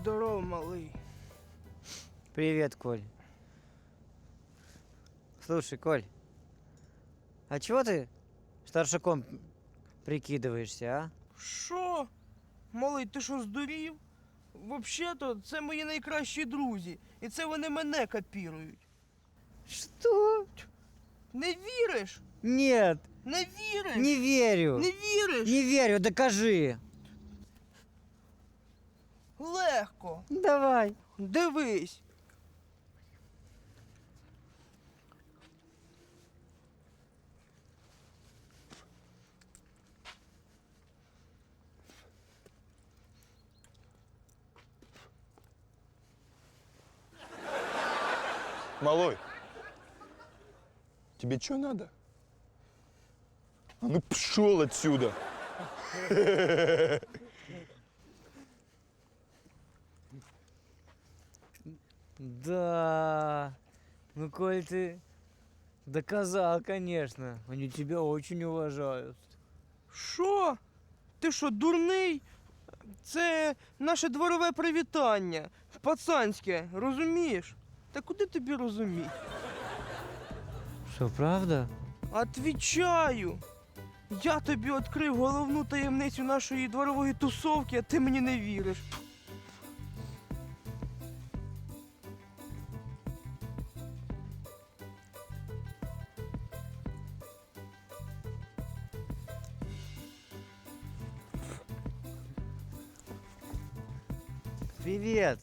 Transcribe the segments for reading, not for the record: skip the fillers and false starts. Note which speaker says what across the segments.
Speaker 1: Здорово, малый.
Speaker 2: Привет, Коль. Слушай, Коль, а чего ты старшаком прикидываешься, а?
Speaker 1: Що? Малий, ти що, здурів? Взагалі-то це мої найкращі друзі. І це вони мене копірують.
Speaker 2: Что?
Speaker 1: Не віриш?
Speaker 2: Нет,
Speaker 1: Не віриш?
Speaker 2: не верю.
Speaker 1: Не віриш?
Speaker 2: Не верю, докажи.
Speaker 1: Легко.
Speaker 2: Давай.
Speaker 1: Дивись.
Speaker 3: Малой, тебе что надо? А ну пшел отсюда!
Speaker 2: Да. Ну, Коль, ты доказал, конечно. Они тебя очень уважают.
Speaker 1: Що? Ти що, дурний? Це наше дворове привітання. Пацанське, розумієш? Та куди тобі розуміти?
Speaker 2: Что, правда?
Speaker 1: Отвічаю! Я тобі відкрив головну таємницю нашої дворової тусовки, а ти мені не віриш.
Speaker 2: Привет.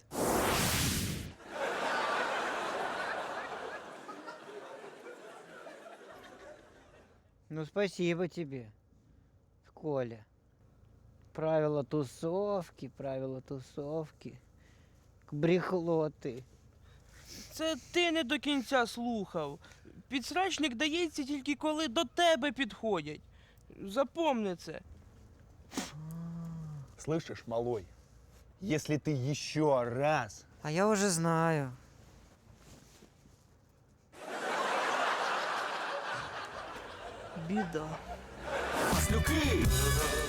Speaker 2: Ну, спасибо тебе, Коля. Правила тусовки. Брехло ты.
Speaker 1: Це ти не до кінця слухав. Підсрачник дається тільки коли до тебе підходять. Запомни це.
Speaker 3: Слышишь, малой, если ты еще раз...
Speaker 2: А я уже знаю.
Speaker 1: Біда.
Speaker 4: Маслюки!